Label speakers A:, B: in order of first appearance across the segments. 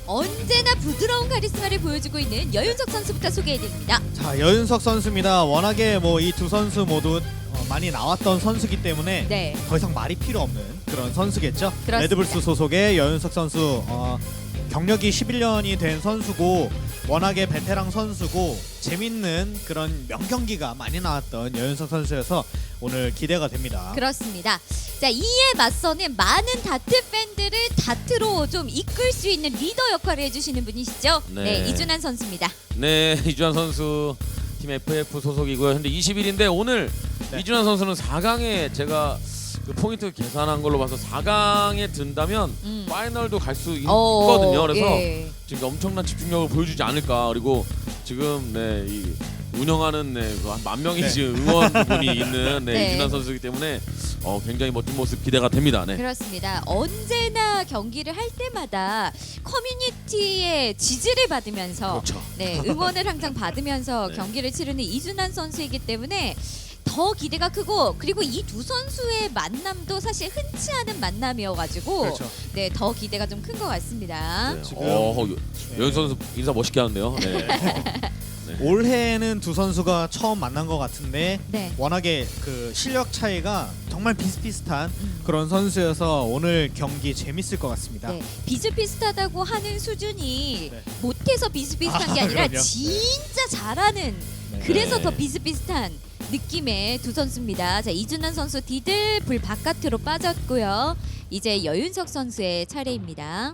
A: 언제나 부드러운 카리스마를 보여주고 있는 여윤석 선수부터 소개해드립니다.
B: 자, 여윤석 선수입니다. 워낙에 뭐 이 두 선수 모두 많이 나왔던 선수기 때문에
A: 네.
B: 더 이상 말이 필요 없는 그런 선수겠죠.
A: 그렇습니다.
B: 레드불스 소속의 여윤석 선수 경력이 11년이 된 선수고 워낙에 베테랑 선수고 재밌는 그런 명경기가 많이 나왔던 여윤석 선수여서 오늘 기대가 됩니다.
A: 그렇습니다. 자, 이에 맞서는 많은 다트 팬들을 다트로 좀 이끌 수 있는 리더 역할을 해주시는 분이시죠.
C: 네.
A: 이준환 선수입니다.
C: 네, 이준환 선수 팀 FF 소속이고요. 근데 20일인데 오늘
B: 네.
C: 이준환 선수는 4강에 제가 그 포인트 계산한 걸로 봐서 4강에 든다면 파이널도 갈 수 있거든요. 그래서
A: 예.
C: 지금 엄청난 집중력을 보여주지 않을까. 그리고 지금 이 운영하는 한 10,000명이
B: 네.
C: 지금 응원분이 있는
A: 네.
C: 이준환 선수이기 때문에 굉장히 멋진 모습 기대가 됩니다. 네.
A: 그렇습니다. 언제나 경기를 할 때마다 커뮤니티의 지지를 받으면서
C: 그렇죠.
A: 응원을 항상 받으면서
C: 네.
A: 경기를 치르는 이준환 선수이기 때문에 더 기대가 크고, 그리고 이 두 선수의 만남도 사실 흔치 않은 만남이어가지고
B: 그렇죠.
A: 더 기대가 좀 큰 것 같습니다.
C: 네.
B: 지금-
C: 여윤 선수 인사 멋있게 하는데요. 네.
B: 올해는 두 선수가 처음 만난 것 같은데
A: 네.
B: 워낙에 그 실력 차이가 정말 비슷비슷한
A: 음.
B: 그런 선수여서 오늘 경기 재밌을 것 같습니다.
A: 네, 비슷비슷하다고 하는 수준이
B: 네.
A: 못해서 비슷비슷한 게 아니라
B: 그럼요.
A: 진짜 잘하는,
B: 네.
A: 그래서
C: 네.
A: 더 비슷비슷한 느낌의 두 선수입니다. 자, 이준환 선수 디들 불 바깥으로 빠졌고요. 이제 여윤석 선수의 차례입니다.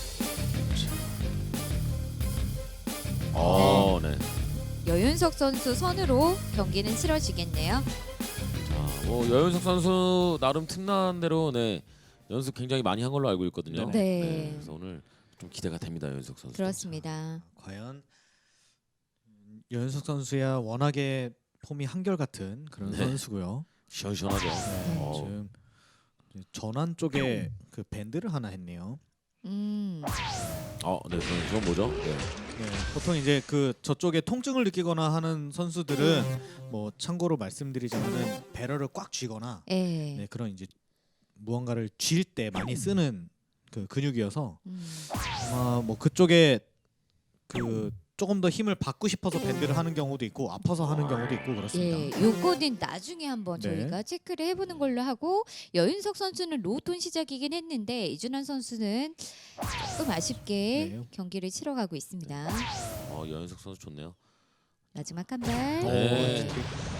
C: 네.
A: 여윤석 선수 선으로 경기는 치러지겠네요.
C: 자, 여윤석 선수 나름 틈난 대로 연습 굉장히 많이 한 걸로 알고 있거든요.
A: 네.
C: 그래서 오늘 좀 기대가 됩니다, 여윤석 선수.
A: 그렇습니다.
B: 과연 여윤석 선수야 워낙에 폼이 한결같은 그런
C: 네.
B: 선수고요.
C: 시원시원하죠.
B: 네, 지금 전환 쪽에 그 밴드를 하나 했네요.
C: 네, 그건 뭐죠? 네.
B: 네, 보통 이제 그 저쪽에 통증을 느끼거나 하는 선수들은 뭐 참고로 말씀드리자면은 배럴을 꽉 쥐거나
A: 예.
B: 네, 그런 이제 무언가를 쥘 때 많이 쓰는 그 근육이어서 아마 뭐 그쪽에 그 조금 더 힘을 받고 싶어서 밴드를 하는 경우도 있고 아파서 하는 경우도 있고 그렇습니다.
A: 예, 요거는 나중에 한번
B: 네.
A: 저희가 체크를 해보는 걸로 하고, 여윤석 선수는 로톤 시작이긴 했는데 이준환 선수는 조금 아쉽게
B: 네.
A: 경기를 치러가고 있습니다.
C: 여윤석 선수 좋네요.
A: 마지막 한 발.
C: 네.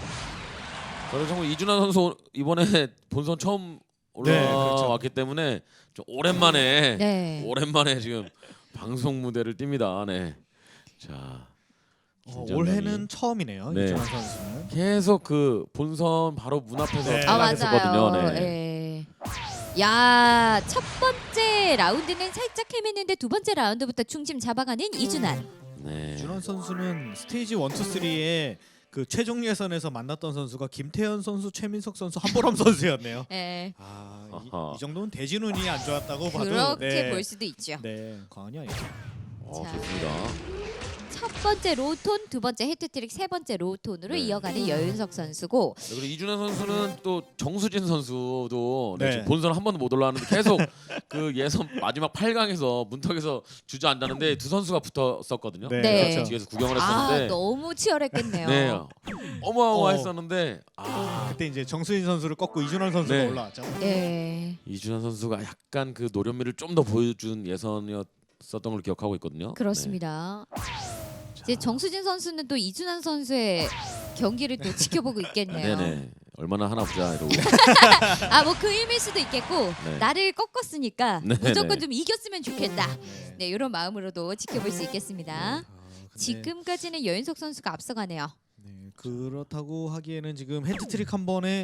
C: 저는 정말 이준환 선수 이번에 본선 처음
B: 네, 그렇죠.
C: 올라왔기 때문에 좀 오랜만에
A: 네.
C: 지금 방송 무대를 띱니다. 네. 자, 긴장감이.
B: 올해는 처음이네요.
C: 네.
B: 이준환 선수는.
C: 계속 그 본선 바로 문 앞에서
B: 네.
C: 탈락했었거든요.
A: 맞아요.
C: 네.
A: 예. 야, 첫 번째 라운드는 살짝 헤맸는데 두 번째 라운드부터 중심 잡아가는 이준환.
C: 네.
B: 이준환 선수는 스테이지 1, 2, 3에 그 최종 예선에서 만났던 선수가 김태현 선수, 최민석 선수, 한보람 선수였네요.
A: 예.
C: 아하.
B: 이 정도는 대진운이 안 좋았다고 봐도
A: 그렇게 볼 수도 있죠.
B: 네, 과언이 아니죠.
A: 자.
C: 좋습니다.
A: 첫 번째 로톤, 두 번째 헤트트릭, 세 번째 로톤으로
C: 네.
A: 이어가는 여윤석 선수고,
C: 네, 그리고 이준환 선수는 또 정수진 선수도
B: 네.
C: 지금 본선 한 번도 못 올라왔는데 계속 그 예선 마지막 8강에서 문턱에서 주저앉았는데 두 선수가 붙었었거든요.
B: 네,
A: 네.
B: 그렇죠.
C: 뒤에서 구경을
A: 아,
C: 했었는데
A: 너무 치열했겠네요.
C: 네. 어마어마했었는데
B: 그때 이제 정수인 선수를 꺾고 이준환 선수가
C: 네.
B: 올라왔죠.
A: 예.
C: 이준환 선수가 약간 그 노련미를 좀 더 보여준 예선이었었던 걸 기억하고 있거든요.
A: 그렇습니다.
C: 네.
A: 이제 정수진 선수는 또 이준환 선수의 경기를 또 지켜보고 있겠네요.
C: 네네. 얼마나 하나 보자 이러고.
A: 아, 뭐 그 의미일 수도 있겠고,
C: 네.
A: 나를 꺾었으니까
C: 네,
A: 무조건
C: 네.
A: 좀 이겼으면 좋겠다.
B: 네.
A: 네, 이런 마음으로도 지켜볼 수 있겠습니다.
B: 근데,
A: 지금까지는 여윤석 선수가 앞서가네요.
B: 네, 그렇다고 하기에는 지금 헤트트릭 한 번에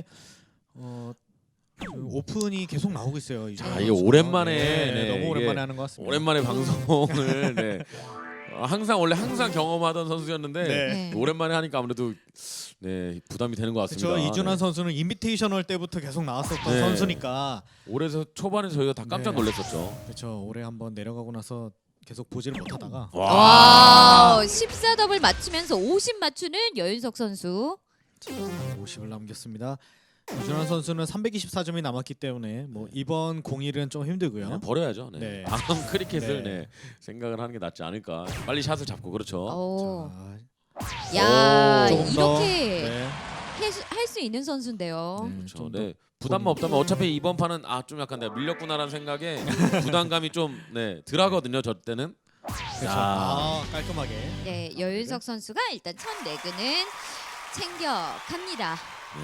B: 그 오픈이 계속 나오고 있어요. 이준환
C: 자, 이게
B: 선수가.
C: 오랜만에
B: 네, 너무
C: 이게
B: 오랜만에 하는 것 같습니다.
C: 오랜만에 방송을 네. 항상 경험하던 선수였는데
B: 네.
C: 오랜만에 하니까 아무래도 부담이 되는 것 같습니다.
B: 그렇죠. 이준환
C: 네.
B: 선수는 인비테이셔널 때부터 계속 나왔었던
C: 네.
B: 선수니까
C: 올해서 초반에 저희가 다 깜짝
B: 네.
C: 놀랐었죠.
B: 그렇죠. 올해 한번 내려가고 나서 계속 보지를 못하다가
A: 와, 14더블 맞추면서 50 맞추는 여윤석 선수.
B: 50을 남겼습니다. 이준환 선수는 324점이 남았기 때문에 뭐 이번 공일은 좀 힘들고요.
C: 그냥 버려야죠. 네.
B: 네.
C: 다음 크리켓을
B: 네.
C: 네. 생각을 하는 게 낫지 않을까. 빨리 샷을 잡고 그렇죠.
A: 오.
B: 자,
A: 야,
C: 오,
B: 조금 더,
A: 이렇게
B: 네.
A: 할 수 있는 선수인데요.
B: 네,
C: 그렇죠.
B: 좀 더.
C: 네. 부담만 없다면 어차피 이번 판은 좀 약간 내가 밀렸구나라는 생각에 부담감이 좀 덜하거든요. 저 때는.
B: 그렇죠.
C: 야.
B: 깔끔하게.
A: 네, 여윤석 선수가 일단 첫 레그는 챙겨갑니다.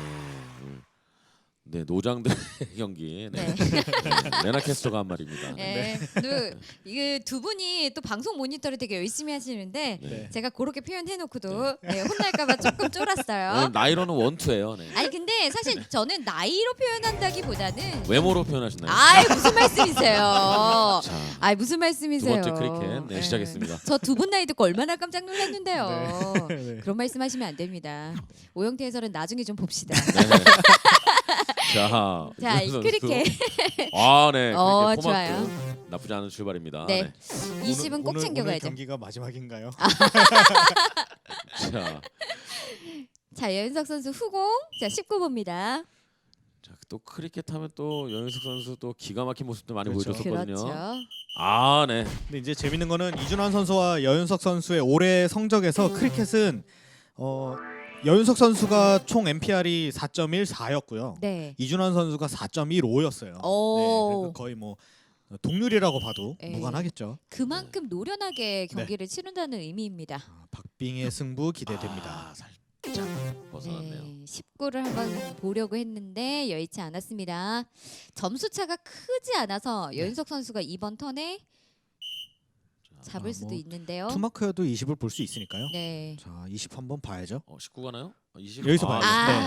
C: 네, 노장들의 경기. 네.
A: 네.
C: 레나 캐스터가 한 말입니다.
A: 네. 이게 두 분이 또 방송 모니터를 되게 열심히 하시는데
C: 네.
A: 제가 그렇게 표현해놓고도 혼날까봐 조금 쫄았어요.
C: 오늘 나이로는 원투예요. 네.
A: 아니 근데 사실 저는 나이로 표현한다기보다는
C: 외모로 표현하셨나요?
A: 아이 무슨 말씀이세요?
C: 자,
A: 아이 무슨
C: 두
A: 말씀이세요?
C: 번째 크리켓 네, 시작했습니다.
A: 저 두 분 나이 듣고 얼마나 깜짝 놀랐는데요.
B: 네.
A: 그런 말씀하시면 안 됩니다. 오영태 해설은 나중에 좀 봅시다.
C: 네. 자,
A: 자, 이
C: 이준환
A: 크리켓.
C: 선수. 네. 크리켓
A: 좋아요.
C: 포마트 나쁘지 않은 출발입니다.
A: 네. 20은 꼭
B: 오늘
A: 챙겨가야죠.
B: 경기가 마지막인가요?
C: 자,
A: 자, 여윤석 선수 후공. 자, 19번입니다.
C: 자, 또 크리켓 하면 또 여윤석 선수 또 기가 막힌 모습도 많이
B: 그렇죠.
C: 보여줬었거든요.
A: 그렇죠.
C: 네.
B: 근데 이제 재밌는 거는 이준환 선수와 여윤석 선수의 올해 성적에서 크리켓은 여윤석 선수가 총 MPR이 4.14였고요.
A: 네.
B: 이준환 선수가 4.15였어요.
A: 오.
B: 거의 뭐 동률이라고 봐도
A: 네.
B: 무관하겠죠.
A: 그만큼 노련하게 경기를 치른다는 의미입니다.
B: 박빙의 승부 기대됩니다.
C: 살짝 벗어났네요.
A: 네, 19를 한번 보려고 했는데 여의치 않았습니다. 점수 차가 크지 않아서 여윤석 선수가 이번 턴에 잡을 수도
B: 뭐
A: 있는데요.
B: 투마크여도 20을 볼 수 있으니까요.
A: 네.
B: 자, 20 한번 봐야죠.
C: 19 가나요? 20?
B: 여기서 봐야죠.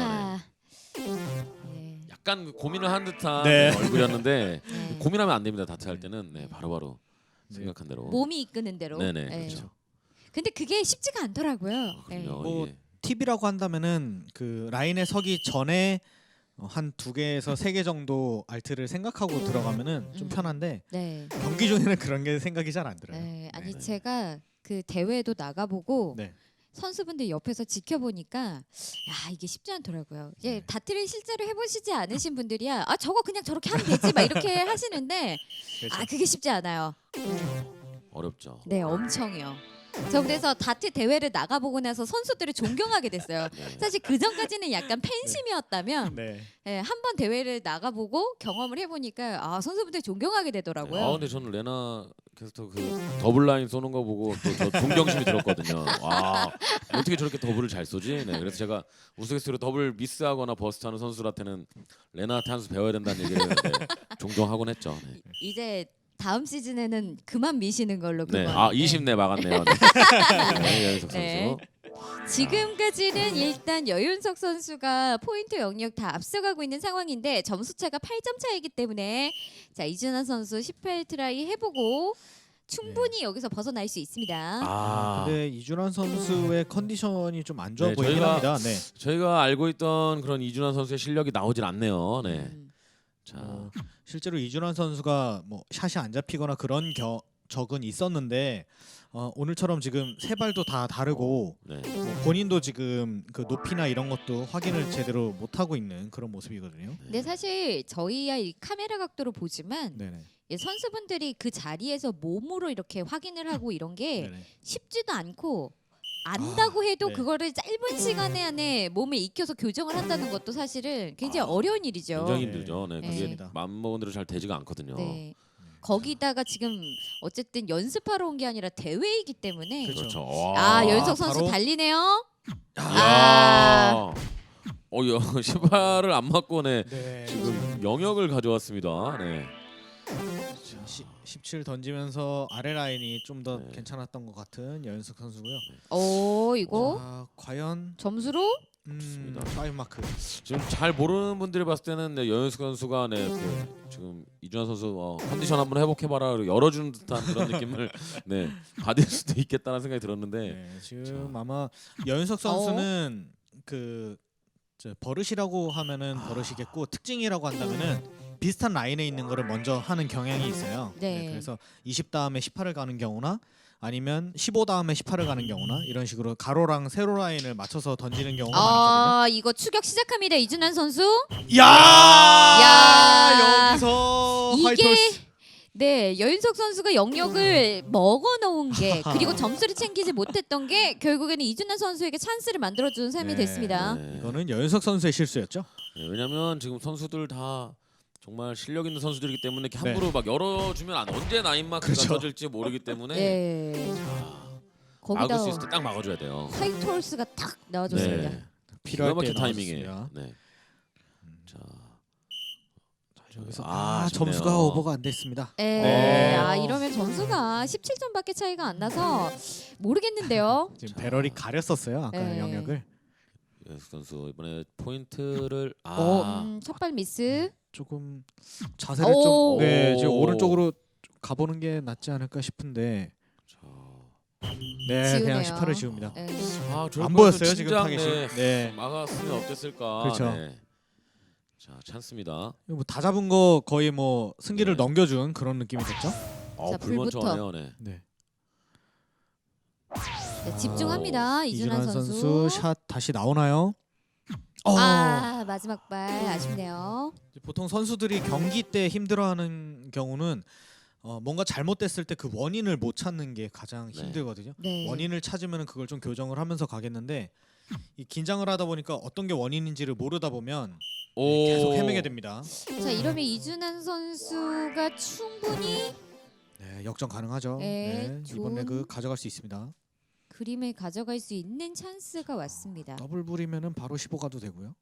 A: 네.
C: 약간 고민을 한 듯한
B: 네.
C: 얼굴이었는데
A: 네.
C: 고민하면 안 됩니다. 다트 할 때는 바로바로
B: 네.
C: 생각한 대로.
A: 몸이 이끄는 대로.
C: 네네,
A: 네.
C: 그렇죠.
A: 근데 그게 쉽지가 않더라고요. 네.
C: 그럼요.
B: 뭐,
C: 이게.
B: 팁이라고 한다면은 그 라인에 서기 전에 한 2개에서 3개 정도 알트를 생각하고 들어가면은 좀 편한데
A: 네.
B: 경기 중에는 그런 게 생각이 잘 안 들어요.
A: 네. 아니
C: 네.
A: 제가 그 대회도 나가보고
B: 네.
A: 선수분들 옆에서 지켜보니까 야 이게 쉽지 않더라고요. 예,
B: 네.
A: 다트를 실제로 해보시지 않으신 분들이야 저거 그냥 저렇게 하면 되지 막 이렇게 하시는데
B: 그렇죠.
A: 그게 쉽지 않아요.
C: 어렵죠.
A: 네, 엄청요. 저 그래서 다트 대회를 나가보고 나서 선수들을 존경하게 됐어요.
C: 네.
A: 사실 그 전까지는 약간 팬심이었다면
B: 네.
A: 한 번 대회를 나가보고 경험을 해보니까 선수분들 존경하게 되더라고요.
C: 근데 저는 레나 캐스터 그 더블 라인 쏘는 거 보고 또 저 존경심이 들었거든요. 와, 어떻게 저렇게 더블을 잘 쏘지? 네, 그래서 제가 우스갯소리로 더블 미스하거나 버스트하는 선수한테는 레나한테 한 수 배워야 된다는 얘기를 종종 했죠. 네.
A: 이제 다음 시즌에는 그만 미시는 걸로
C: 네.
A: 그만.
C: 20내 막았네요. 네, 여윤석 선수.
A: 네. 지금까지는 일단 여윤석 선수가 포인트 영역 다 앞서가고 있는 상황인데 점수 차가 8점 차이기 때문에 자 이준환 선수 18트라이 해보고 충분히 여기서 벗어날 수 있습니다.
B: 근데 이준환 선수의 컨디션이 좀 안 좋아
C: 네,
B: 보이긴
C: 저희가-
B: 합니다. 네.
C: 저희가 알고 있던 그런 이준환 선수의 실력이 나오질 않네요. 네. 자,
B: 실제로 이준환 선수가 뭐 샷이 안 잡히거나 그런 적은 있었는데 오늘처럼 지금 세 발도 다 다르고
C: 네.
B: 뭐 본인도 지금 그 높이나 이런 것도 확인을 제대로 못 하고 있는 그런 모습이거든요.
A: 근데 사실 저희야 이 카메라 각도로 보지만
B: 네네.
A: 선수분들이 그 자리에서 몸으로 이렇게 확인을 하고 이런 게
B: 네네.
A: 쉽지도 않고 안다고 해도
B: 네.
A: 그거를 짧은 시간 안에 몸에 익혀서 교정을 한다는 것도 사실은 굉장히 어려운 일이죠.
C: 굉장히 힘들죠. 네.
A: 네.
C: 그게
B: 맞습니다.
C: 마음먹은 대로 잘 되지가 않거든요.
A: 네. 거기다가 지금 어쨌든 연습하러 온 게 아니라 대회이기 때문에
B: 그렇죠.
C: 와.
A: 여윤석 선수
B: 바로-
A: 달리네요.
C: 야. 신발을 안 맞고
B: 네.
C: 지금 영역을 가져왔습니다. 네.
B: 17 던지면서 아래 라인이 좀 더
C: 네.
B: 괜찮았던 것 같은 여윤석 선수고요.
A: 이거
B: 과연
A: 점수로
C: 좋습니다.
B: 5 마크.
C: 지금 잘 모르는 분들이 봤을 때는 여윤석 선수가 지금 이준환 선수 컨디션 한번 회복해봐라 열어주는 듯한 그런 느낌을 받을 수도 있겠다는 생각이 들었는데
B: 네, 지금 아마 여윤석 선수는 버릇이라고 하면은 버릇이겠고 특징이라고 한다면은 비슷한 라인에 있는 거를 먼저 하는 경향이 있어요.
A: 네.
B: 그래서 20 다음에 18을 가는 경우나 아니면 15 다음에 18을 가는 경우나 이런 식으로 가로랑 세로 라인을 맞춰서 던지는 경우가 많았거든요.
A: 이거 추격 시작합니다. 이준환 선수.
B: 야, 여기서
A: 이게
B: 화이트홀스.
A: 네, 여윤석 선수가 영역을 먹어 놓은 게 그리고 점수를 챙기지 못했던 게 결국에는 이준환 선수에게 찬스를 만들어 주는 셈이
B: 네,
A: 됐습니다.
C: 네.
B: 이거는 여윤석 선수의 실수였죠.
C: 네, 왜냐면 지금 선수들 다 정말 실력 있는 선수들이기 때문에 이렇게
B: 네.
C: 함부로 막 열어주면 언제 나인마크가
B: 그렇죠.
C: 터질지 모르기 때문에
A: 네.
C: 자,
A: 거기다
C: 막을 수 있을 때 딱 막아줘야 돼요.
A: 화이트 홀스가 딱 나와줬습니다.
C: 네.
B: 필요할
C: 기가 막힌
B: 때
C: 타이밍에.
B: 나왔습니다.
C: 네. 자,
B: 여기서
C: 아쉽네요.
B: 점수가 오버가 안 됐습니다.
A: 네.
C: 어.
A: 이러면 점수가 17점밖에 차이가 안 나서 모르겠는데요.
B: 지금 배럴이 가렸었어요. 아까
A: 네.
B: 영역을.
C: 여윤석 선수 이번에 포인트를
A: 첫발 미스.
B: 조금 자세를
A: 오.
B: 좀 지금 오른쪽으로 가보는 게 낫지 않을까 싶은데
C: 자,
B: 네 그냥
A: 지우네요.
B: 18을 지웁니다.
A: 네.
C: 저럴
B: 안
C: 거였으면
B: 보였어요 지금
C: 진작,
B: 타겟이.
C: 네.
B: 네.
C: 막았으면 어땠을까.
B: 그렇죠.
C: 네. 자, 찬스입니다.
B: 뭐 다 잡은 거 거의 뭐 승기를
C: 네.
B: 넘겨준 그런 느낌이 됐죠.
A: 자,
C: 불먼저하네요. 네.
B: 네.
A: 네, 집중합니다. 이준환 선수.
B: 샷 다시 나오나요?
A: 마지막 발 아쉽네요.
B: 보통 선수들이 경기 때 힘들어하는 경우는 뭔가 잘못됐을 때 그 원인을 못 찾는 게 가장
C: 네.
B: 힘들거든요.
A: 네.
B: 원인을 찾으면 그걸 좀 교정을 하면서 가겠는데 이 긴장을 하다 보니까 어떤 게 원인인지를 모르다 보면 계속 헤매게 됩니다.
A: 자, 이러면 이준환 선수가 충분히
B: 네, 역전 가능하죠.
A: 네,
B: 네,
A: 좋은-
B: 이번 레그 가져갈 수 있습니다.
A: 그림을 가져갈 수 있는 찬스가 왔습니다.
B: 더블 불이면은 바로 15 가도 되고요.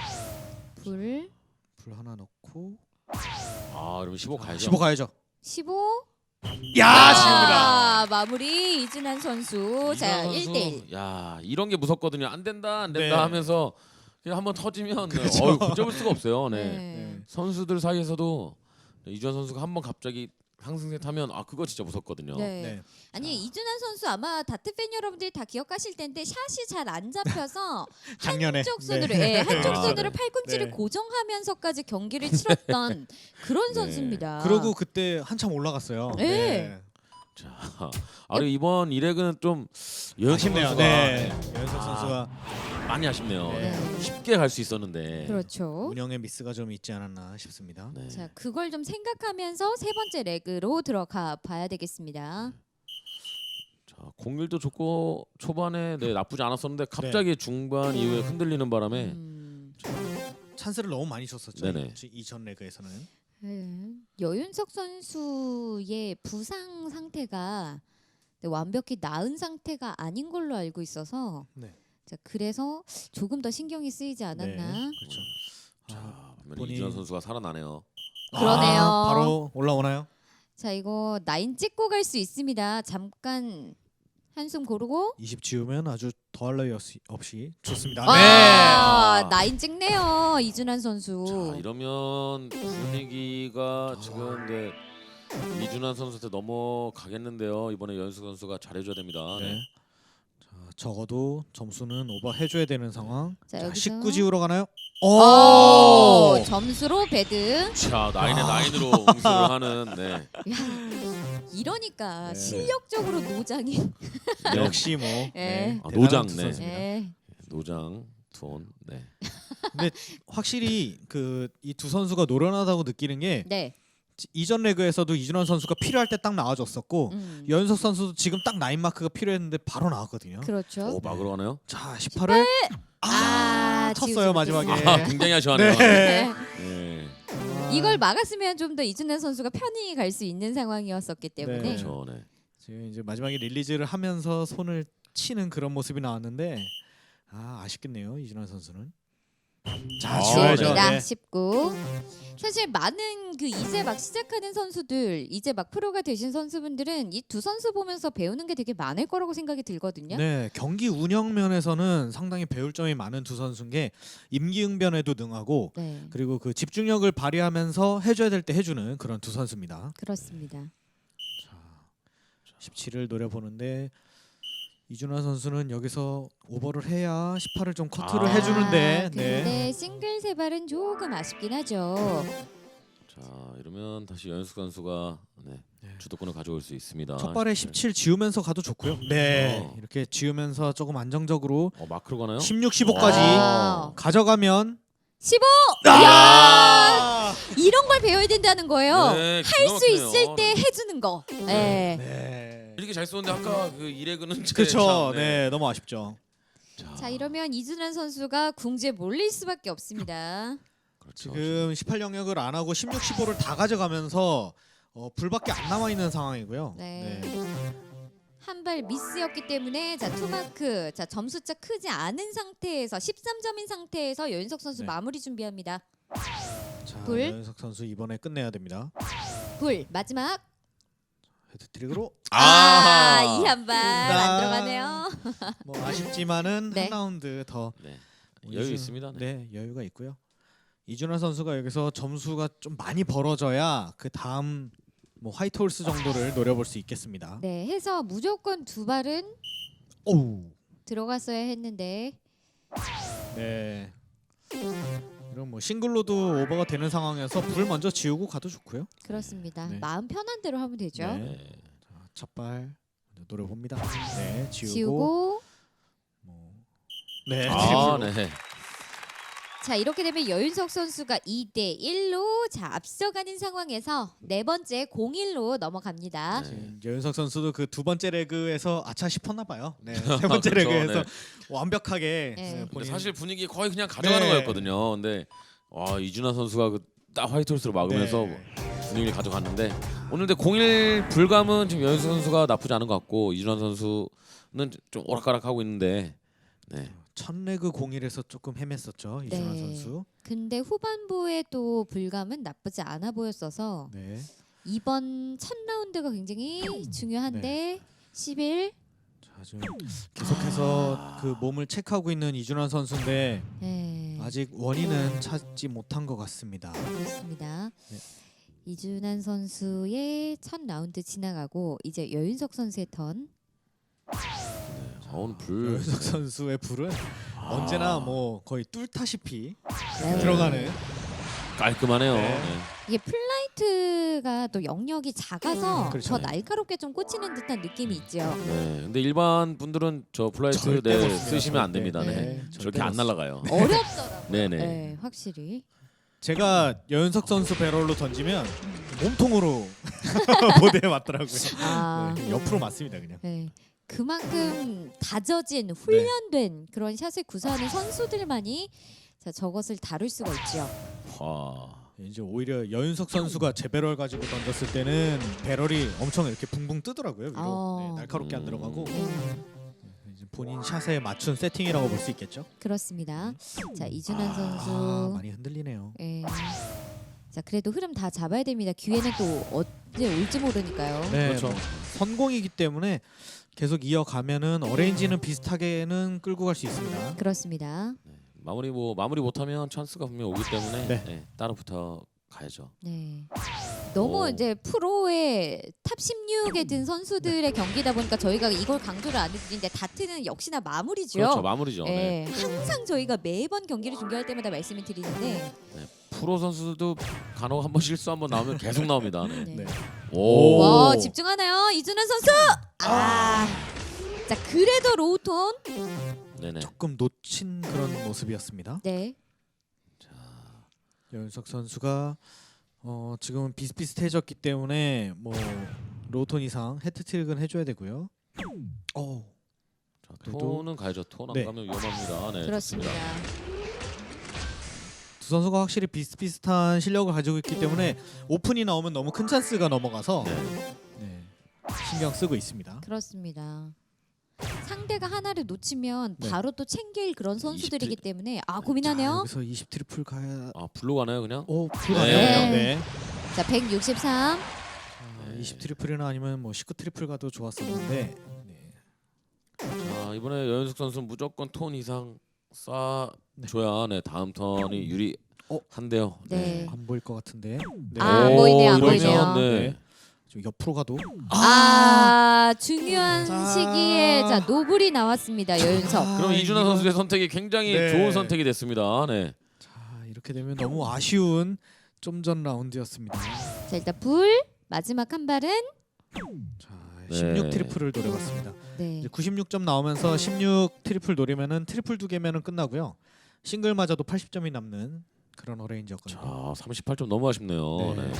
A: 불
B: 불 하나 넣고
C: 그러면 15 가야죠.
B: 15 가야죠.
A: 15.
B: 야, 지웁니다.
A: 마무리 이준환 선수. 자,
C: 이준환 선수,
A: 1대1.
C: 야, 이런 게 무섭거든요. 안 된다
B: 네.
C: 하면서 그냥 한번 터지면
B: 그렇죠.
C: 붙잡을 수가 없어요. 네.
B: 네.
C: 선수들 사이에서도 이주환 선수가 한번 갑자기 상승세 타면 그거 진짜 무섭거든요.
A: 네.
B: 네.
A: 아니 이준환 선수 아마 다트 팬 여러분들이 다 기억하실 텐데 샷이 잘 안 잡혀서
B: 작년에
A: 한쪽 손으로
B: 네.
A: 한쪽
C: 아,
A: 손으로
C: 네.
A: 팔꿈치를
B: 네.
A: 고정하면서까지 경기를 치렀던 그런
C: 네.
A: 선수입니다.
B: 그러고 그때 한참 올라갔어요.
A: 네.
C: 자, 그리고 이번 이렉은 좀 여윤석
B: 아쉽네요.
C: 선수가
B: 네. 여윤석 선수가
C: 많이 아쉽네요.
B: 네.
A: 네.
C: 쉽게 갈 수 있었는데.
A: 그렇죠.
B: 운영의 미스가 좀 있지 않았나 싶습니다.
C: 네.
A: 자, 그걸 좀 생각하면서 세 번째 레그로 들어가 봐야 되겠습니다.
C: 자, 공률도 좋고 초반에 나쁘지 않았었는데 갑자기 중반 이후에 흔들리는 바람에
B: 찬스를 너무 많이 줬었죠.
C: 네네.
B: 이전 레그에서는.
A: 여윤석 선수의 부상 상태가 완벽히 나은 상태가 아닌 걸로 알고 있어서
B: 네.
A: 자, 그래서 조금 더 신경이 쓰이지 않았나.
B: 네. 그렇죠.
C: 자, 보면
B: 본인-
C: 이주환 선수가 살아나네요.
A: 그러네요.
B: 바로 올라오나요?
A: 자, 이거 라인 찍고 갈 수 있습니다. 잠깐 한숨 고르고.
B: 20 지우면 아주 더할 나위 없이 좋습니다.
A: 아, 라인 찍네요. 이준환 선수.
C: 자, 이러면 분위기가 지금 이준환 선수한테 넘어가겠는데요. 이번에 연수 선수가 잘해줘야 됩니다.
B: 네.
C: 네.
B: 자, 적어도 점수는 오버 해줘야 되는 상황.
A: 자,
B: 자,
A: 여기서
B: 19 지우러 가나요?
A: 오, 점수로 배드.
C: 자, 나인에 나인으로 응수를 하는. 네.
A: 야, 이러니까
B: 네.
A: 실력적으로 노장이.
C: 네.
B: 역시 뭐
A: 네.
C: 아,
B: 대단한
C: 노장,
B: 두
C: 네.
B: 선수입니다.
A: 네.
C: 노장 투혼. 네.
B: 근데 확실히 그 이 두 선수가 노련하다고 느끼는 게
A: 네.
B: 이전 레그에서도 이준환 선수가 필요할 때 딱 나와줬었고 여윤석 선수도 지금 딱 라인 마크가 필요했는데 바로 나왔거든요.
A: 그렇죠.
C: 오, 막으러 가나요?
B: 자, 18을
A: 지우지
B: 쳤어요 마지막에.
A: 못했습니다.
C: 굉장히 아쉬워하네요.
B: 네.
C: 네.
A: 이걸 막았으면 좀 더 이준환 선수가 편히 갈 수 있는 상황이었었기 때문에.
B: 네.
C: 그렇죠. 네.
B: 지금 이제 마지막에 릴리즈를 하면서 손을 치는 그런 모습이 나왔는데 아쉽겠네요 이준환 선수는. 자, 지워야죠.
A: 지웁니다.
B: 네.
A: 19. 사실 많은 그 이제 막 시작하는 선수들, 이제 막 프로가 되신 선수분들은 이 두 선수 보면서 배우는 게 되게 많을 거라고 생각이 들거든요.
B: 네, 경기 운영 면에서는 상당히 배울 점이 많은 두 선수인 게 임기응변에도 능하고
A: 네,
B: 그리고 그 집중력을 발휘하면서 해줘야 될 때 해주는 그런 두 선수입니다.
A: 그렇습니다.
B: 자, 17을 노려보는데 이준환 선수는 여기서 오버를 해야 18을 좀 커트를 해주는데
A: 근데 싱글 세 발은 조금 아쉽긴 하죠.
C: 자, 그러면 다시 연숙 선수가 주도권을 가져올 수 있습니다.
B: 첫 발에 17 지우면서 가도 좋고요. 네,
C: 어.
B: 이렇게 지우면서 조금 안정적으로
C: 마크로 가나요?
B: 16, 15까지
A: 와.
B: 가져가면
A: 15.
B: 아!
A: 이런 걸 배워야 된다는 거예요.
C: 네,
A: 할
C: 기가
A: 수
C: 막히네요.
A: 있을 때 해주는 거. 네.
B: 네.
C: 이렇게 잘 쏘는데 아까 그 이레그는
B: 그렇죠. 네, 너무 아쉽죠.
A: 자 이러면 이준환 선수가 궁지에 몰릴 수밖에 없습니다.
C: 그렇죠.
B: 지금 18 영역을 안 하고 16, 15를 다 가져가면서 불밖에 안 남아 있는 상황이고요.
A: 네. 한 발 미스였기 때문에 자 투마크 자 점수차 크지 않은 상태에서 13점인 상태에서 여윤석 선수
B: 네.
A: 마무리 준비합니다.
B: 자,
A: 불.
B: 여윤석 선수 이번에 끝내야 됩니다.
A: 불 마지막
B: 헤드트릭으로
A: 이 한 발 안
B: 나-
A: 들어가네요.
B: 뭐 아쉽지만은
A: 네.
B: 한 라운드 더
C: 네. 여유 있습니다.
B: 네, 여유가 있고요. 이준환 선수가 여기서 점수가 좀 많이 벌어져야 그 다음 뭐 화이트 홀스 정도를 노려볼 수 있겠습니다.
A: 네 해서 무조건 두 발은
B: 오우.
A: 들어갔어야 했는데
B: 네. 이런 뭐 싱글로도 오버가 되는 상황에서 불 먼저 지우고 가도 좋고요.
A: 그렇습니다.
B: 네.
A: 마음 편한 대로 하면 되죠.
B: 네. 자, 첫발 노려봅니다. 네, 지우고.
A: 지우고
B: 뭐. 네.
C: 아,
B: 트리플로.
C: 네.
A: 자 이렇게 되면 여윤석 선수가 2대 1로 자 앞서가는 상황에서 네 번째 0-1로 넘어갑니다.
C: 네.
B: 지금 여윤석 선수도 그 두 번째 레그에서 아차 싶었나 봐요. 네, 세 번째
C: 그렇죠,
B: 레그에서
C: 네.
B: 완벽하게
A: 네.
C: 근데
B: 본인
C: 사실 분위기 거의 그냥 가져가는
B: 네.
C: 거였거든요. 근데 와 이준하 선수가 딱 화이트 홀스로 막으면서
B: 네.
C: 분위기를 가져갔는데 오늘 근데 0-1 불감은 지금 여윤수 선수가 나쁘지 않은 것 같고 이준하 선수는 좀 오락가락하고 있는데 네.
B: 첫 레그 0-1에서 조금 헤맸었죠. 이준환
A: 네.
B: 선수.
A: 근데 후반부에 또 불감은 나쁘지 않아 보였어서
B: 네.
A: 이번 첫 라운드가 굉장히 중요한데 11
B: 자, 지금 계속해서 그 몸을 체크하고 있는 이준환 선수인데
A: 네.
B: 아직 원인은 찾지 못한 것 같습니다.
A: 그렇습니다.
B: 네.
A: 이준환 선수의 첫 라운드 지나가고 이제 여윤석 선수의 턴.
C: 오늘 불
B: 여윤석 선수의 불은 언제나 뭐 거의 뚫다시피
A: 네.
B: 들어가는.
C: 깔끔하네요.
B: 네.
C: 네.
A: 이게 플라이트가 또 영역이 작아서
B: 그렇죠.
A: 더 날카롭게 좀 꽂히는 듯한 느낌이 있죠.
C: 네. 근데 일반 분들은 저 플라이트
B: 절대
C: 네,
B: 못 씁니다,
C: 쓰시면 안
B: 절대.
C: 됩니다. 네.
B: 네,
C: 저렇게
B: 절대
C: 안
B: 못
C: 날아가요.
A: 어렵더라고요.
C: 네네.
A: 네, 확실히.
B: 제가 여윤석 선수 배럴로 던지면 몸통으로 보드에 맞더라고요.
A: 아,
B: 네, 옆으로 맞습니다 그냥.
A: 네. 그만큼 다져진 훈련된 그런 샷을 구사하는 선수들만이 자, 저것을 다룰 수가 있죠.
C: 와.
B: 이제 오히려 여윤석 선수가 제 배럴 가지고 던졌을 때는 배럴이 엄청 이렇게 붕붕 뜨더라고요. 위로.
A: 어.
B: 네, 날카롭게 안 들어가고
A: 네,
B: 이제 본인 샷에 맞춘 세팅이라고 볼 수 있겠죠.
A: 그렇습니다. 자, 이준환 선수.
B: 많이 흔들리네요.
A: 예. 자, 그래도 흐름 다 잡아야 됩니다. 기회는 또 언제 올지 모르니까요.
B: 네,
C: 그렇죠.
B: 뭐 선공이기 때문에 계속 이어가면은 어레인지는 비슷하게는 끌고 갈 수 있습니다.
A: 그렇습니다.
C: 마무리 못하면 찬스가 분명 오기 때문에
B: 네.
C: 네, 따로 붙어 가야죠.
A: 네. 너무
C: 오.
A: 이제 프로의 탑 16에 든 선수들의 경기다 보니까 저희가 이걸 강조를 안 해드리는데 다트는 역시나 마무리죠.
C: 그렇죠. 마무리죠. 네.
A: 예, 항상 저희가 매번 경기를 중계할 때마다 말씀을 드리는데
C: 프로 선수들도 간혹 한번 실수 한번 나오면 계속 나옵니다. 네.
A: 네.
B: 네.
C: 오.
A: 와 집중하나요 이준환 선수? 자 그래도 로우톤.
C: 네네.
B: 조금 놓친 그런 모습이었습니다.
A: 네.
B: 여윤석 선수가 지금은 비슷비슷해졌기 때문에 뭐 로톤 이상 헤트트릭은 해줘야 되고요.
C: 자,
B: 그래도-
C: 톤은 가야죠. 톤 안
B: 네.
C: 가면 위험합니다. 네.
A: 그렇습니다.
C: 좋습니다.
B: 두 선수가 확실히 비슷비슷한 실력을 가지고 있기 때문에 오픈이 나오면 너무 큰 찬스가 넘어가서
C: 네.
B: 네, 신경 쓰고 있습니다.
A: 그렇습니다. 상대가 하나를 놓치면
B: 네.
A: 바로 또 챙길 그런 선수들이기
C: 20
A: 때문에
B: 자,
A: 고민하네요.
B: 여기서 20 트리플 가야.
C: 아 불로 가나요 그냥?
B: 불가네요.
A: 네.
B: 네.
A: 자 163.
B: 20 트리플이나 아니면 뭐 19 트리플 가도 좋았었는데. 네.
C: 자 이번에 여윤숙 선수는 무조건 톤 이상 쏴줘야 네 다음 턴이 유리한데요.
A: 네.
B: 안 보일 것 같은데. 네.
A: 아, 보이네요, 안
C: 이러면,
A: 보이네요.
C: 네.
B: 좀 옆으로 가도.
A: 중요한
B: 자.
A: 시기에 자 노블이 나왔습니다 여윤석.
C: 그럼 이준하
B: 이거-
C: 선수의 선택이 굉장히
B: 네.
C: 좋은 선택이 됐습니다. 네.
B: 자, 이렇게 되면 너무 아쉬운 좀 전 라운드였습니다.
A: 자 일단 불 마지막 한 발은
B: 자,
C: 네.
B: 16 트리플을 노려봤습니다.
A: 네.
B: 이제 96점 나오면서 16 트리플 노리면은 트리플 2개면은 끝나고요. 싱글 맞아도 80점이 남는 그런 어레인지였거든요.
C: 자, 38점 너무 아쉽네요.
B: 네.
C: 네.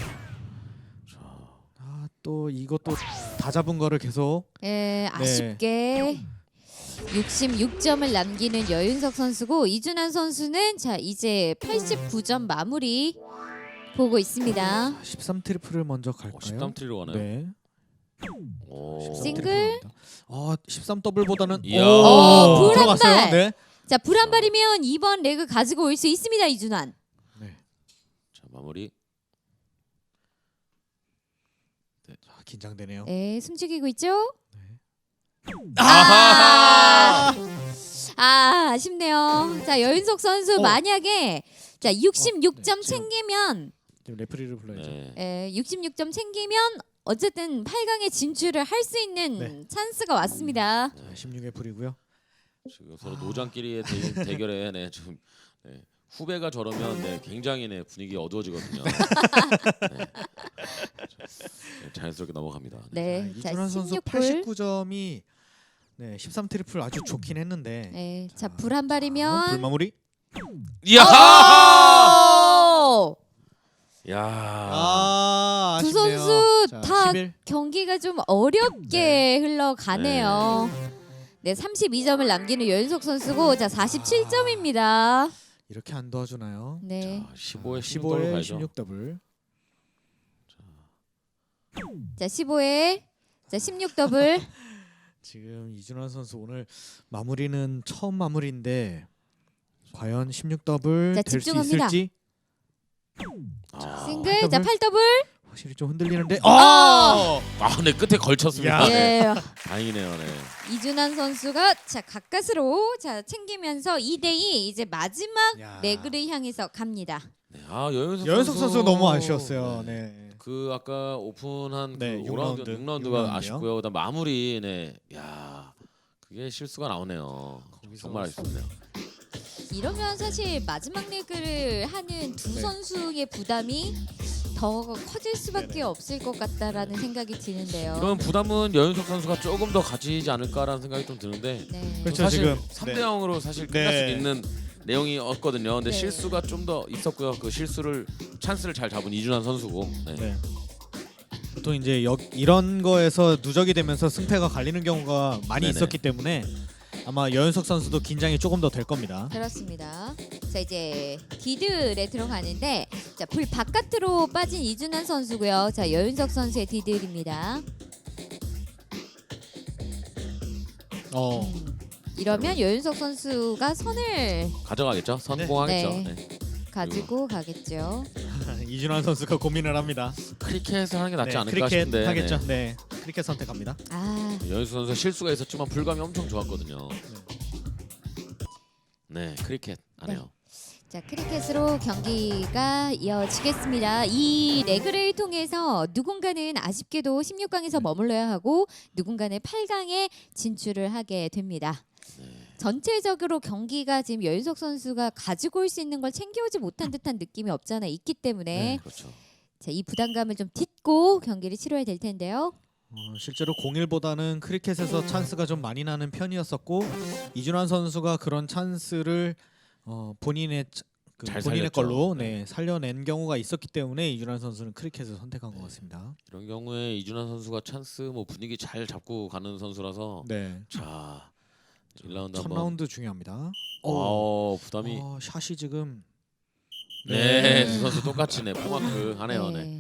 B: 또 이것도 다 잡은 거를 계속
A: 예, 아쉽게 66점을 남기는 여윤석 선수고 이준환 선수는 자 이제 89점 마무리 보고 있습니다.
B: 13 트리플을 먼저 갈까요?
C: 13 트리로 가나요?
B: 네.
C: 오.
B: 13
A: 싱글?
B: 트리플 갑니다. 13 더블보다는
C: 이야.
A: 불
B: 들어갔어요.
A: 한 발.
B: 네.
A: 자 불 한 발이면 이번 레그 가지고 올 수 있습니다 이준환.
B: 네.
C: 자, 마무리.
B: 자, 긴장되네요.
A: 네, 숨죽이고 있죠?
C: 아하!
A: 아쉽네요. 자 여윤석 선수 만약에 자 66점
B: 네, 지금.
A: 챙기면
B: 지금 레프리를 불러야죠.
C: 네.
A: 66점 챙기면 어쨌든 8강에 진출을 할 수 있는
B: 네.
A: 찬스가 왔습니다.
B: 자, 16의 불이고요.
C: 지금 서로 노장끼리의 대결에 네, 좀 네, 후배가 저러면 네, 굉장히 네, 분위기 어두워지거든요. 네. 네, 자연스럽게 넘어갑니다.
A: 네, 자
B: 이준환 선수
A: 16불.
B: 89점이 네, 13 트리플 아주 좋긴 했는데.
A: 네, 자 불 한 발이면
B: 불마무리.
C: 이야!
A: 오!
C: 야!
A: 두
B: 아쉽네요.
A: 선수
B: 자,
A: 다
B: 11.
A: 경기가 좀 어렵게 흘러가네요. 네, 32점을 남기는 여윤석 선수고 자 47점입니다.
B: 이렇게 안 도와주나요?
A: 네.
C: 자, 15에
B: 15에
C: 16
B: 16 더블.
A: 자 15에 자 16 더블.
B: 지금 이준환 선수 오늘 마무리는 처음 마무리인데 과연 16 더블
A: 자,
B: 될 수
A: 집중합니다.
B: 있을지
A: 싱글
B: 더블.
A: 자 8 더블.
B: 확실히 좀 흔들리는데.
C: 아, 네 끝에 걸쳤습니다.
B: 야.
C: 네.
A: 예.
C: 다행이네요. 네.
A: 이준환 선수가 자 가까스로 자 챙기면서 2대2 이제 마지막
B: 야.
A: 레그를 향해서 갑니다.
C: 네. 아, 여윤석
B: 선수 너무 아쉬웠어요. 네.
C: 그 아까 오픈한
B: 네,
C: 그
B: 6라운드,
C: 5라운드 6라운드가
B: 6라운드요.
C: 아쉽고요. 그다음 마무리 네. 야. 그게 실수가 나오네요.
B: 거기서
C: 정말 아쉽네요.
A: 이러면 사실 마지막 레그를 하는 두
B: 네.
A: 선수의 부담이 더 커질 수밖에
B: 네네.
A: 없을 것 같다라는 생각이 드는데요.
C: 이런 부담은 여윤석 선수가 조금 더 가지지 않을까라는 생각이 좀 드는데
A: 네.
B: 그렇죠.
C: 사실
B: 지금
C: 3대 0으로 사실 끝날
B: 네.
C: 수 있는 내용이었거든요. 근데
A: 네.
C: 실수가 좀 더 있었고요. 그 실수를 찬스를 잘 잡은 이준환 선수고. 네.
B: 네. 보통 이제 이런 거에서 누적이 되면서 승패가 갈리는 경우가 많이
C: 네네.
B: 있었기 때문에 아마 여윤석 선수도 긴장이 조금 더 될 겁니다.
A: 그렇습니다. 자 이제 디들에 들어가는데 자 불 바깥으로 빠진 이준환 선수고요. 자 여윤석 선수의 디들입니다. 이러면 여윤석 선수가 선을
C: 가져가겠죠? 성공하겠죠.
A: 네.
C: 네.
A: 가지고 가겠죠.
B: 이준환 선수가 고민을 합니다.
C: 크리켓을 하는 게 낫지
B: 네,
C: 않을까
B: 크리켓
C: 싶은데.
B: 하겠죠. 네. 크리켓 선택합니다.
A: 아
C: 여윤수 선수 실수가 있었지만 불감이 엄청 좋았거든요. 네, 크리켓 안 해요.
A: 자 크리켓으로 경기가 이어지겠습니다. 이 레그를 통해서 누군가는 아쉽게도 16강에서 머물러야 하고 누군가는 8강에 진출을 하게 됩니다. 전체적으로 경기가 지금 여윤석 선수가 가지고 올 수 있는 걸 챙겨오지 못한 듯한 느낌이 없잖아 있기 때문에
C: 그렇죠.
A: 자, 이 부담감을 좀 딛고 경기를 치러야 될 텐데요.
B: 실제로 01보다는 크리켓에서 찬스가 좀 많이 나는 편이었었고 이준환 선수가 그런 찬스를 본인의
C: 잘
B: 본인의
C: 살렸죠.
B: 걸로
C: 네.
B: 살려낸 경우가 있었기 때문에 이준환 선수는 크리켓을 선택한 것 같습니다.
C: 이런 경우에 이준환 선수가 찬스 뭐 분위기 잘 잡고 가는 선수라서
B: 네.
C: 자 1라운드
B: 첫
C: 한번
B: 라운드 중요합니다.
C: 부담이
B: 샷이 지금
C: 네, 두 선수 똑같이 네 포마크 하네요. 네.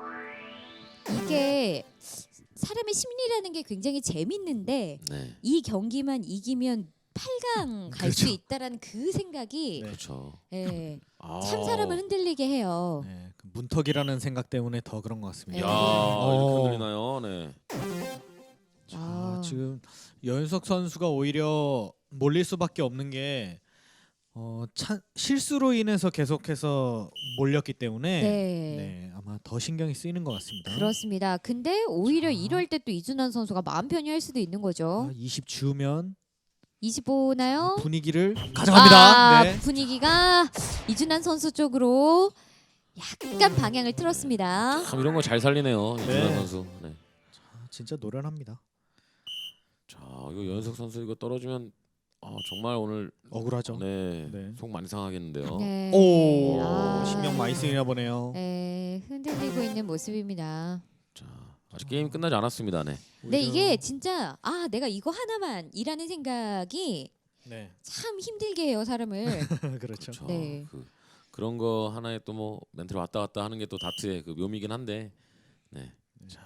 A: 이게 사람의 심리라는 게 굉장히 재밌는데
C: 네.
A: 이 경기만 이기면 8강 갈 수
B: 그렇죠.
A: 있다라는 그 생각이
B: 네.
C: 그렇죠.
A: 예,
C: 아.
A: 참 사람을 흔들리게 해요.
B: 네, 그 문턱이라는 생각 때문에 더 그런 것
C: 야,
B: 같습니다.
C: 이렇게 흔들리나요? 네.
A: 아.
B: 지금 여윤석 선수가 오히려 몰릴 수밖에 없는 게 실수로 인해서 계속해서 몰렸기 때문에
A: 네.
B: 아마 더 신경이 쓰이는 것 같습니다.
A: 그렇습니다. 근데 오히려
B: 자.
A: 이럴 때 또 이준환 선수가 마음 편히 할 수도 있는 거죠.
B: 20 주면
A: 25나요?
B: 분위기를 가져갑니다. 네.
A: 분위기가 이준환 선수 쪽으로 약간 방향을 틀었습니다.
C: 참 이런 거 잘 살리네요. 이준환 선수. 네.
B: 진짜 노련합니다.
C: 자, 이거 연석 선수 이거 떨어지면 정말 오늘
B: 억울하죠.
C: 네.
B: 네.
C: 속 많이 상하겠는데요.
A: 네.
B: 오,
A: 아.
B: 신경 많이 쓰이나 보네요.
A: 네, 흔들리고 있는 모습입니다.
C: 자, 아직 게임 끝나지 않았습니다. 네.
A: 네, 이게 진짜 내가 이거 하나만 이라는 생각이
B: 네.
A: 참 힘들게 해요, 사람을.
B: 그렇죠.
C: 그렇죠.
A: 네.
C: 그런 거 하나에 또 뭐 멘트를 왔다 갔다 하는 게 또 다트의 그 묘미긴 한데. 네. 자.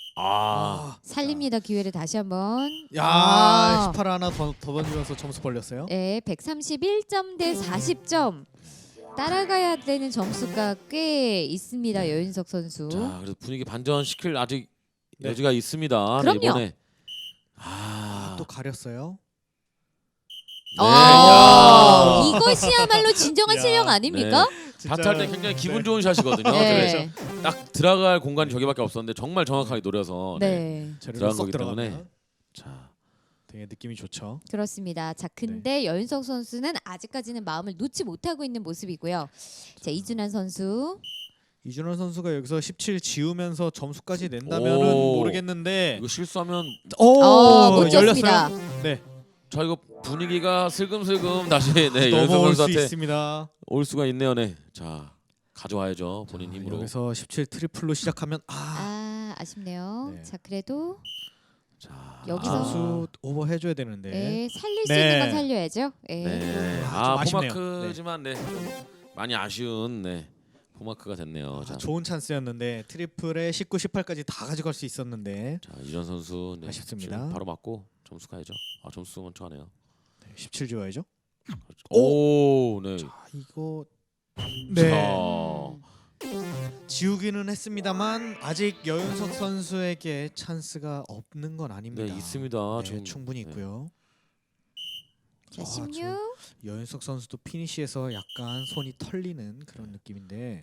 A: 살립니다. 기회를 다시 한번.
B: 야, 18 하나 더 던지면서 점수 벌렸어요.
A: 네, 131점 대 40점. 따라가야 되는 점수가 꽤 있습니다, 여윤석 선수.
C: 자, 그래서 분위기 반전 시킬 아직
B: 네.
C: 여지가 있습니다.
A: 그럼요.
C: 네, 이번에.
B: 또 가렸어요.
C: 네.
A: 아,
C: 야.
A: 이것이야말로 진정한
B: 야.
A: 실력 아닙니까?
C: 다트 할 때 굉장히 기분 좋은 샷이거든요.
A: 네.
C: 딱 들어갈 공간이 저기밖에 없었는데 정말 정확하게 노려서
A: 네.
C: 들어간
B: 쏙
C: 거기
B: 들어가면
C: 때문에. 자,
B: 되게 느낌이 좋죠.
A: 그렇습니다. 자, 근데 여윤석 선수는 아직까지는 마음을 놓지 못하고 있는 모습이고요. 자, 이준환 선수.
B: 이준환 선수가 여기서 17 지우면서 점수까지 낸다면은
C: 오.
B: 모르겠는데.
C: 이거 실수하면
A: 못 쳤습니다.
B: 열렸어요. 네.
C: 자 이거 분위기가 슬금슬금 다시 네, 연석
B: 넘어올 수
C: 선수한테
B: 있습니다.
C: 올 수가 있네요. 네. 자, 가져와야죠. 본인 힘으로.
B: 여기서 17 트리플로 시작하면
A: 아쉽네요.
B: 네.
A: 자, 그래도
C: 자,
A: 여기서
B: 점수 오버 해줘야 되는데.
A: 네, 살릴 수
B: 네.
A: 있는 건 살려야죠. 네.
C: 네.
B: 좀 아쉽네요.
C: 포마크지만 네. 좀 많이 아쉬운 네. 포마크가 됐네요. 자,
B: 좋은 찬스였는데 트리플에 19, 18까지 다 가져갈 수 있었는데.
C: 자 이전 선수 네.
B: 아쉽습니다.
C: 지금 바로 맞고 점수 가야죠. 점수 먼저 하네요.
B: 17 지워야죠.
C: 오, 네.
B: 자, 이거
C: 자,
B: 지우기는 했습니다만 아직 여윤석 선수에게 찬스가 없는 건 아닙니다.
C: 네 있습니다.
B: 네,
C: 지금
B: 충분히
C: 네.
B: 있고요.
A: 자,
B: 아,
A: 16.
B: 여윤석 선수도 피니시에서 약간 손이 털리는 그런 느낌인데.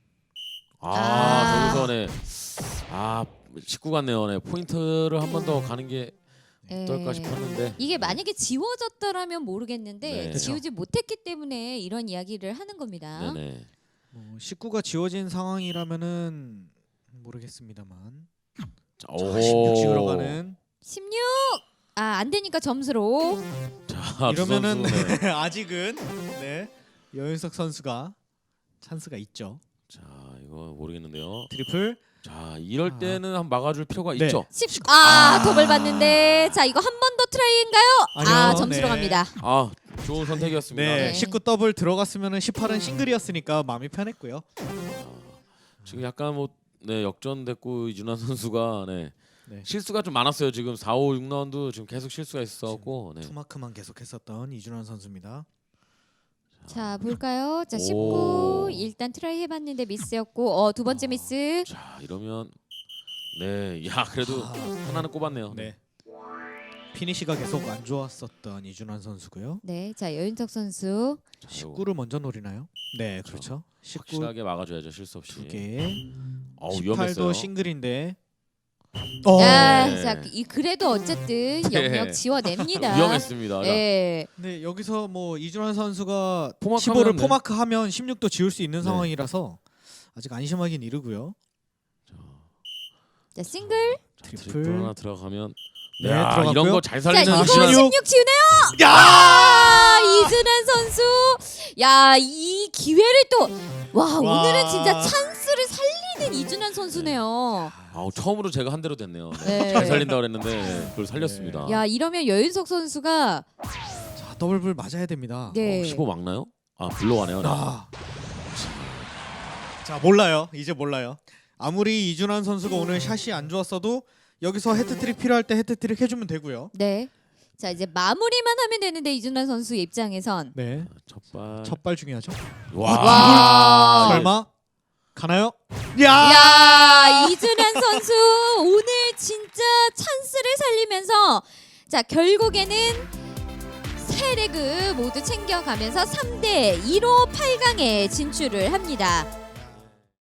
C: 저기서 네. 19 같네요. 네. 포인트를 한 번 더 가는 게 어떨까 싶었는데.
A: 이게 만약에 지워졌더라면 모르겠는데
C: 네.
A: 지우지 못했기 때문에 이런 이야기를 하는 겁니다.
C: 네네.
B: 뭐 19가 지워진 상황이라면은 모르겠습니다만.
C: 자,
B: 자, 16 지우러 가는.
A: 16. 안 되니까 점수로.
C: 자,
B: 이러면은
C: 두 선수, 네.
B: 아직은 여윤석 선수가 찬스가 있죠.
C: 자 이거 모르겠는데요.
B: 트리플.
C: 자 이럴 때는 한 막아줄 필요가
B: 네.
C: 있죠.
A: 10. 더블 받는데. 자, 이거 한 번 더 트라이인가요?
B: 아니요,
A: 점수로
B: 네.
A: 갑니다.
C: 좋은 선택이었습니다.
B: 네,
A: 네.
B: 19 더블 들어갔으면은 18은 싱글이었으니까 마음이 편했고요.
C: 지금 약간 뭐 역전됐고 이준환 선수가
B: 네.
C: 실수가 좀 많았어요. 지금 4, 5, 6라운드 지금 계속 실수가 있었고
B: 투마크만 계속했었던 이준환 선수입니다.
A: 자, 볼까요? 자, 19.
C: 오.
A: 일단 트라이 해봤는데 미스였고, 두 번째 미스.
C: 자 이러면 그래도 하나는 꼽았네요.
B: 네. 피니시가 계속 안 좋았었던 이준환 선수고요.
A: 네, 자, 여윤석 선수.
C: 자, 이거
B: 19를 먼저 노리나요? 네, 그렇죠. 19
C: 확실하게 막아줘야죠. 실수 없이.
B: 2개.
C: 위험했어요.
B: 18도 싱글인데.
C: 네.
A: 자, 그래도 어쨌든
C: 네.
A: 영역 지워냅니다.
C: 위험했습니다.
A: 네.
B: 네, 여기서 뭐 이준환 선수가
C: 포마크하면
B: 15를 포마크하면 16도 지울 수 있는
C: 네.
B: 상황이라서 아직 안심하긴 이르고요.
A: 자, 싱글.
C: 트리플 하나 들어가면
B: 네,
C: 야,
B: 들어갔고요.
C: 이런 거 잘
A: 자,
C: 살리는
A: 이거
B: 시간.
A: 16 지우네요.
B: 야!
A: 이준환 선수. 야, 이 기회를 또 오늘은 진짜 찬스를 살리는 이준환 선수네요.
C: 처음으로 제가 한 대로 됐네요.
A: 네.
C: 잘 살린다 그랬는데 그걸 살렸습니다.
A: 야, 이러면 여윤석 선수가
B: 자, 더블불 맞아야 됩니다.
A: 네.
C: 15 막나요? 불러가네요.
B: 자, 몰라요. 이제 몰라요. 아무리 이준환 선수가 오늘 샷이 안 좋았어도 여기서 헤트트릭 필요할 때 헤트트릭 해주면 되고요.
A: 네. 자, 이제 마무리만 하면 되는데 이준환 선수 입장에선
B: 네,
C: 첫발.
B: 첫발 중요하죠.
A: 와.
B: 설마 가나요?
A: 야, 이준환 선수 오늘 진짜 찬스를 살리면서 자, 결국에는 세 레그 모두 챙겨가면서 3대 2로 8강에 진출을 합니다.